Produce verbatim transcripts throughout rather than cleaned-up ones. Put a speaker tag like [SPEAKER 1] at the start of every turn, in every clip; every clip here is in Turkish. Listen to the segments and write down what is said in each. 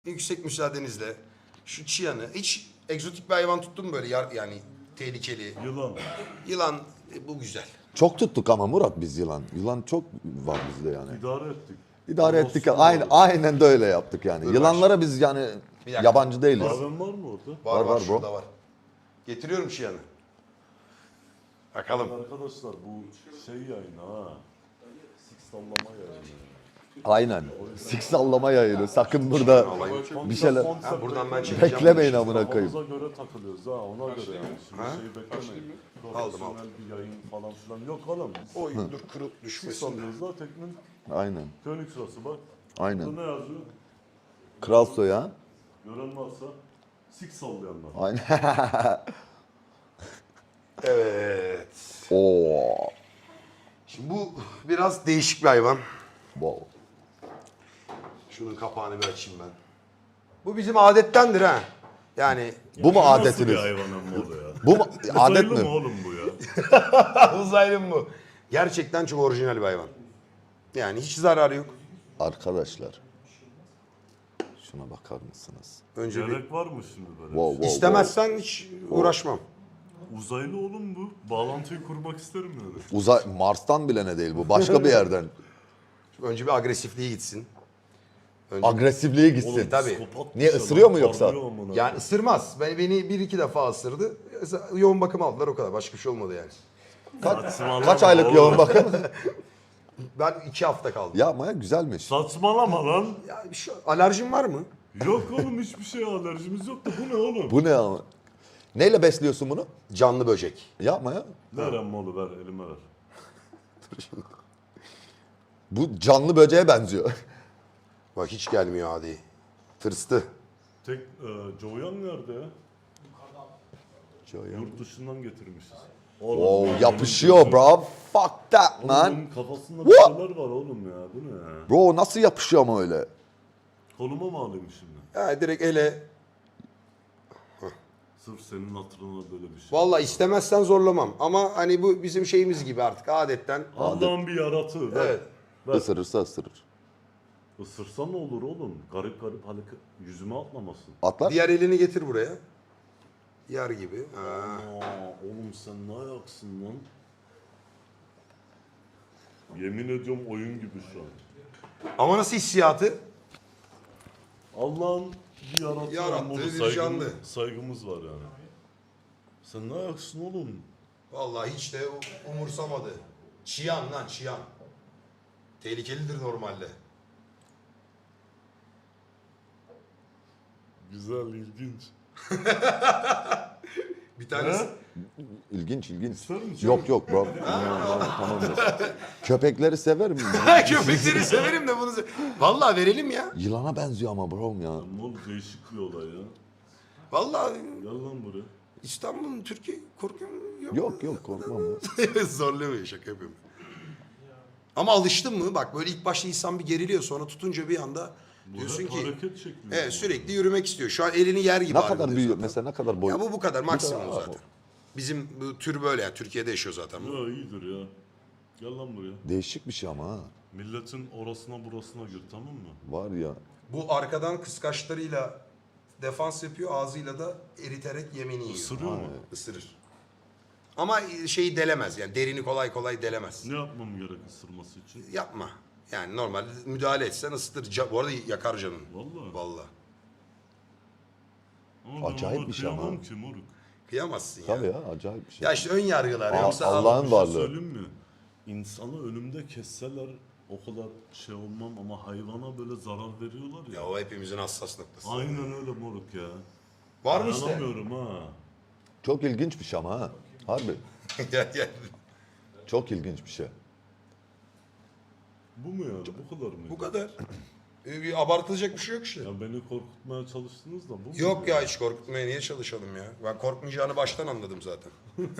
[SPEAKER 1] Yüksek müsaadenizle şu çiyanı, hiç egzotik bir hayvan tuttun mu böyle yar, yani tehlikeli?
[SPEAKER 2] Yılan.
[SPEAKER 1] Yılan, e, bu güzel.
[SPEAKER 3] Çok tuttuk ama Murat biz yılan. Yılan çok var bizde yani.
[SPEAKER 2] İdare ettik.
[SPEAKER 3] İdare
[SPEAKER 2] Orası
[SPEAKER 3] ettik.
[SPEAKER 2] var.
[SPEAKER 3] Aynen, aynen de öyle yaptık yani.
[SPEAKER 1] Dur
[SPEAKER 3] Yılanlara biz yani
[SPEAKER 1] Bir dakika.
[SPEAKER 3] yabancı değiliz.
[SPEAKER 2] Kahven var mı orada?
[SPEAKER 1] Var var,
[SPEAKER 3] Var, var bro.
[SPEAKER 1] şurada var. Getiriyorum çiyanı. Bakalım.
[SPEAKER 2] Arkadaşlar bu şey yayını ha. Six sallama yayını.
[SPEAKER 3] Aynen. Sik sallama yayını. Sakın burada bir şeyler...
[SPEAKER 1] Ha, buradan ben çekeceğim.
[SPEAKER 3] Beklemeyin amına koyayım.
[SPEAKER 2] Kafamıza göre takılıyoruz ha ona göre yani. Şimdi
[SPEAKER 1] Ha?
[SPEAKER 2] şeyi beklemeyin.
[SPEAKER 1] Aldım,
[SPEAKER 2] Profesyonel bir yayın falan filan yok oğlum.
[SPEAKER 1] Oy dur kırıl
[SPEAKER 2] Six
[SPEAKER 1] düşmesin.
[SPEAKER 2] sallıyoruz da teknin
[SPEAKER 3] Aynen.
[SPEAKER 2] König sırası bak.
[SPEAKER 3] Aynen.
[SPEAKER 2] Burada ne yazıyor?
[SPEAKER 3] Kral soyu ha.
[SPEAKER 2] Gören varsa six sallayanlar.
[SPEAKER 3] Aynen.
[SPEAKER 1] Evet.
[SPEAKER 3] Oo.
[SPEAKER 1] Şimdi bu biraz değişik bir hayvan.
[SPEAKER 3] Wow.
[SPEAKER 1] Şunun kapağını bir açayım ben. Bu bizim adettendir ha. Yani
[SPEAKER 3] Bu mu
[SPEAKER 2] Nasıl bir
[SPEAKER 3] adetiniz?
[SPEAKER 2] hayvan amma o ya?
[SPEAKER 3] Bu mu adet
[SPEAKER 2] Uzaylı mı
[SPEAKER 3] mi?
[SPEAKER 2] oğlum bu ya?
[SPEAKER 1] uzaylı mı bu? Gerçekten çok orijinal bir hayvan. Yani hiç zararı yok.
[SPEAKER 3] Arkadaşlar. Şuna bakar mısınız?
[SPEAKER 1] Önce bir
[SPEAKER 2] Gerek var mı şimdi böyle?
[SPEAKER 3] Wow, wow,
[SPEAKER 1] istemezsen hiç uğraşmam.
[SPEAKER 2] Uzaylı oğlum bu. Bağlantıyı kurmak isterim yani.
[SPEAKER 3] wow. Uzay Mars'tan bile ne değil bu. Başka bir yerden.
[SPEAKER 1] Önce bir agresifliği gitsin. Önce
[SPEAKER 3] Agresifliğe gitsin.
[SPEAKER 2] Oğlum,
[SPEAKER 1] tabii.
[SPEAKER 2] psikopat
[SPEAKER 3] Niye,
[SPEAKER 2] bir şey
[SPEAKER 3] ısırıyor
[SPEAKER 2] lan,
[SPEAKER 3] mu yoksa?
[SPEAKER 2] parlıyor amına.
[SPEAKER 1] yani ısırmaz. Beni, beni bir iki defa ısırdı. Yoğun bakım aldılar o kadar. Başka bir şey olmadı yani.
[SPEAKER 3] Kaç,
[SPEAKER 2] Saçmalama
[SPEAKER 3] kaç aylık
[SPEAKER 2] oğlum.
[SPEAKER 3] yoğun bakım?
[SPEAKER 1] Ben iki hafta kaldım.
[SPEAKER 3] Yapma ya güzelmiş.
[SPEAKER 2] Saçmalama lan.
[SPEAKER 1] Ya bir şey, alerjin var mı?
[SPEAKER 2] Yok oğlum hiçbir şeye alerjimiz yok da bu ne oğlum?
[SPEAKER 3] Bu ne ama? Neyle besliyorsun bunu?
[SPEAKER 1] Canlı böcek.
[SPEAKER 3] Yapma ya.
[SPEAKER 2] Ver emmoğlu ver elime ver.
[SPEAKER 3] Bu canlı böceğe benziyor.
[SPEAKER 1] Bak hiç gelmiyor adi. Tırstı.
[SPEAKER 2] Tek e, Joyan nerede ya? Yurt dışından getirmişiz. Oğlum,
[SPEAKER 3] Oh,
[SPEAKER 2] ya,
[SPEAKER 3] yapışıyor
[SPEAKER 2] benim-
[SPEAKER 3] bro. Fuck that man.
[SPEAKER 2] Oğlum kafasında bir
[SPEAKER 3] What?
[SPEAKER 2] şeyler var oğlum ya. Bu ne ya?
[SPEAKER 3] Bro nasıl yapışıyor ama öyle?
[SPEAKER 2] Koluma mı alayım şimdi?
[SPEAKER 1] Ya direkt ele.
[SPEAKER 2] Sırf senin hatırına böyle bir şey.
[SPEAKER 1] Vallahi istemezsen zorlamam. Ama hani bu bizim şeyimiz gibi artık adetten.
[SPEAKER 2] Allah'ın bir yaratığı. Ver.
[SPEAKER 1] Evet.
[SPEAKER 2] Ver.
[SPEAKER 3] Isırırsa ısırır.
[SPEAKER 2] Isırsa ne olur oğlum? Garip garip hareket. Yüzüme atlamasın.
[SPEAKER 3] Atlar.
[SPEAKER 1] Diğer elini getir buraya. Yer gibi. Ha.
[SPEAKER 2] Aa, oğlum sen ne ayaksın lan? Yemin ediyorum oyun gibi şu an.
[SPEAKER 1] Ama nasıl hissiyatı?
[SPEAKER 2] Allah'ın bir yarattığı,
[SPEAKER 1] Yarattığı
[SPEAKER 2] ama
[SPEAKER 1] bir
[SPEAKER 2] saygımız,
[SPEAKER 1] canlı.
[SPEAKER 2] saygımız var yani. Sen ne ayaksın oğlum?
[SPEAKER 1] Vallahi hiç de umursamadı. Çiyan lan çiyan. Tehlikelidir normalde.
[SPEAKER 2] Güzel, ilginç.
[SPEAKER 1] Bir tanesi.
[SPEAKER 2] Ne?
[SPEAKER 3] İlginç ilginç.
[SPEAKER 2] İster misin?
[SPEAKER 3] Yok yok bro. Tamamdır. Köpekleri severim.
[SPEAKER 1] Köpekleri severim de bunu. se- Vallahi verelim ya.
[SPEAKER 3] Yılana benziyor ama bro ya.
[SPEAKER 2] Oğlum değişik bir olay ya.
[SPEAKER 1] Vallahi
[SPEAKER 2] Gel lan buraya.
[SPEAKER 1] İstanbul'un Türkiye korkuyor mu? Yok.
[SPEAKER 3] Yok yok korkmam ya.
[SPEAKER 1] Zorlamıyor, şaka yapıyorum. Ama alıştın mı? Bak böyle ilk başta insan bir geriliyor, sonra tutunca bir anda
[SPEAKER 2] Bu
[SPEAKER 1] diyorsun
[SPEAKER 2] hep
[SPEAKER 1] ki
[SPEAKER 2] hareket şekli.
[SPEAKER 1] evet, sürekli yürümek istiyor. Şu an elini yer gibi
[SPEAKER 3] Ne
[SPEAKER 1] halinde
[SPEAKER 3] kadar büyüyor
[SPEAKER 1] zaten.
[SPEAKER 3] mesela ne kadar boy?
[SPEAKER 1] Ya bu bu kadar maksimum
[SPEAKER 3] kadar,
[SPEAKER 1] zaten. Bizim bu tür böyle yani Türkiye'de yaşıyor zaten. bu.
[SPEAKER 2] Ya iyidir ya. Gel lan buraya.
[SPEAKER 3] Değişik bir şey ama ha.
[SPEAKER 2] Milletin orasına burasına gir tamam mı?
[SPEAKER 3] Var ya.
[SPEAKER 1] Bu arkadan kıskaçlarıyla defans yapıyor, ağzıyla da eriterek yemeni yiyor.
[SPEAKER 2] Isırıyor mu?
[SPEAKER 1] Isırır. Ama şeyi delemez yani derini kolay kolay delemez.
[SPEAKER 2] Ne yapmam gerek ısırması için?
[SPEAKER 1] Yapma. Yani normalde müdahale etsen ısıtır. Ca- Bu arada yakar canını.
[SPEAKER 2] Vallahi.
[SPEAKER 1] Vallahi.
[SPEAKER 2] Ama ben
[SPEAKER 3] Acayip
[SPEAKER 2] ona
[SPEAKER 3] bir şey ama.
[SPEAKER 2] kıyamam ki moruk.
[SPEAKER 1] Kıyamazsın ya.
[SPEAKER 3] Tabii ya acayip bir şey.
[SPEAKER 1] Ya işte ön yargılar.
[SPEAKER 3] Aa,
[SPEAKER 1] Yoksa
[SPEAKER 3] Allah'ın
[SPEAKER 2] Bir şey
[SPEAKER 3] varlığı.
[SPEAKER 2] söyleyeyim mi? İnsanı önümde kesseler o kadar şey olmam ama hayvana böyle zarar veriyorlar ya.
[SPEAKER 1] Ya o hepimizin hassas noktası.
[SPEAKER 2] Aynen öyle moruk ya.
[SPEAKER 1] Var mı işte?
[SPEAKER 2] Dayanamıyorum ha.
[SPEAKER 3] Çok ilginç bir şey ama ha. Harbi.
[SPEAKER 1] Gel gel.
[SPEAKER 3] Çok ilginç bir şey.
[SPEAKER 2] Bu mu yani? Bu kadar mı?
[SPEAKER 1] Bu kadar. Ee, bir abartılacak bir şey yok işte.
[SPEAKER 2] Ya beni korkutmaya çalıştınız da bu mu?
[SPEAKER 1] Yok ya hiç korkutmaya niye çalışalım ya? Ben korkmayacağını baştan anladım zaten.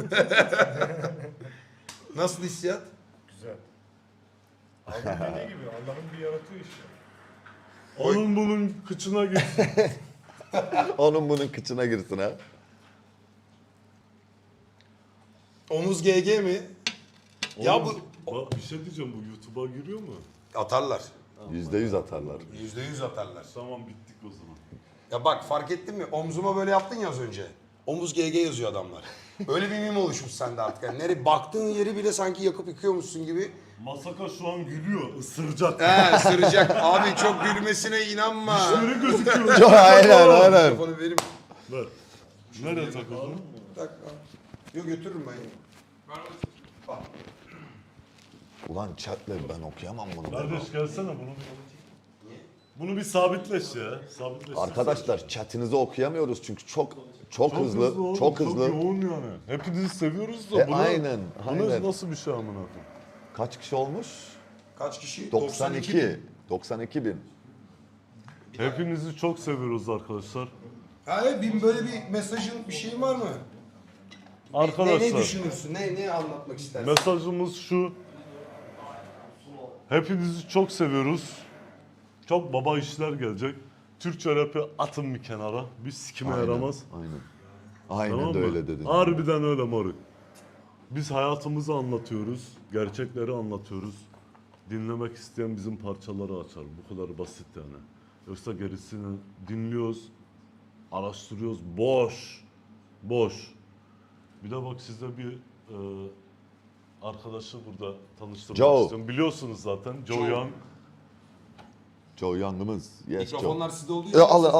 [SPEAKER 1] Nasıl hissiyat?
[SPEAKER 4] Güzel. Abi dediği gibi Allah'ın bir yaratığı işte.
[SPEAKER 2] Onun bunun kıçına gir.
[SPEAKER 3] Onun bunun kıçına girsin ha.
[SPEAKER 1] Omuz G G mi? Ya
[SPEAKER 2] Oğlum,
[SPEAKER 1] bu
[SPEAKER 2] bak bir şey diyeceğim bu YouTube'a giriyor mu?
[SPEAKER 1] atarlar.
[SPEAKER 3] Yüzde yüz atarlar.
[SPEAKER 1] Yüzde yüz atarlar.
[SPEAKER 2] Tamam bittik o zaman.
[SPEAKER 1] Ya bak fark ettin mi? Omzuma böyle yaptın ya az önce. Omuz G G yazıyor adamlar. Öyle bir mim oluşmuş sende artık. Yani nereye baktığın yeri bile sanki yakıp yıkıyormuşsun gibi.
[SPEAKER 2] Masaka şu an gülüyor, ısıracak.
[SPEAKER 1] He ısıracak. Abi çok gülmesine inanma.
[SPEAKER 2] Dişleri gözüküyor.
[SPEAKER 3] Çok aynen aynen.
[SPEAKER 1] Telefonu verim.
[SPEAKER 2] Ver. Nereye takıldın?
[SPEAKER 1] Tak. Yok götürürüm ben. Al.
[SPEAKER 3] Ulan chatle ben okuyamam bunu.
[SPEAKER 2] Kardeş gelsene bunu bir... Bunu bir sabitleş ya. Sabitleş.
[SPEAKER 3] Arkadaşlar chatinizi okuyamıyoruz çünkü çok çok, hızlı,
[SPEAKER 2] oğlum,
[SPEAKER 3] çok hızlı.
[SPEAKER 2] Çok yoğun yani. Hepinizi seviyoruz da
[SPEAKER 3] E,
[SPEAKER 2] bunu...
[SPEAKER 3] aynen,
[SPEAKER 2] Bu
[SPEAKER 3] aynen.
[SPEAKER 2] nasıl bir şey amına koyayım?
[SPEAKER 3] Kaç kişi olmuş?
[SPEAKER 1] Kaç kişi?
[SPEAKER 3] doksan iki. doksan iki bin.
[SPEAKER 2] Hepinizi çok seviyoruz arkadaşlar.
[SPEAKER 1] Hayır bin böyle bir mesajın bir şeyin var mı? Ne, ne
[SPEAKER 2] Arkadaşlar
[SPEAKER 1] düşünürsün? Ne, ne anlatmak istersin?
[SPEAKER 2] mesajımız şu. Hepinizi çok seviyoruz. Çok baba işler gelecek. Türkçe rap'i atın bir kenara. Bir sikime
[SPEAKER 3] Aynen,
[SPEAKER 2] yaramaz.
[SPEAKER 3] Aynen. Aynen
[SPEAKER 2] Tamam
[SPEAKER 3] de
[SPEAKER 2] mı?
[SPEAKER 3] öyle dedin.
[SPEAKER 2] Harbiden öyle moruk. Biz hayatımızı anlatıyoruz. Gerçekleri anlatıyoruz. Dinlemek isteyen bizim parçaları açar. Bu kadar basit yani. Yoksa gerisini dinliyoruz. Araştırıyoruz. Boş. Boş. Bir de bak size bir e, arkadaşı burada tanıştırmak
[SPEAKER 3] Joe.
[SPEAKER 2] istiyorum. Biliyorsunuz zaten. Joe
[SPEAKER 1] Joe.
[SPEAKER 2] Young.
[SPEAKER 3] Joe Young'ımız. Yes Joe.
[SPEAKER 1] Mikrofonlar sizde olduğu
[SPEAKER 3] E,
[SPEAKER 1] için.
[SPEAKER 3] al, al.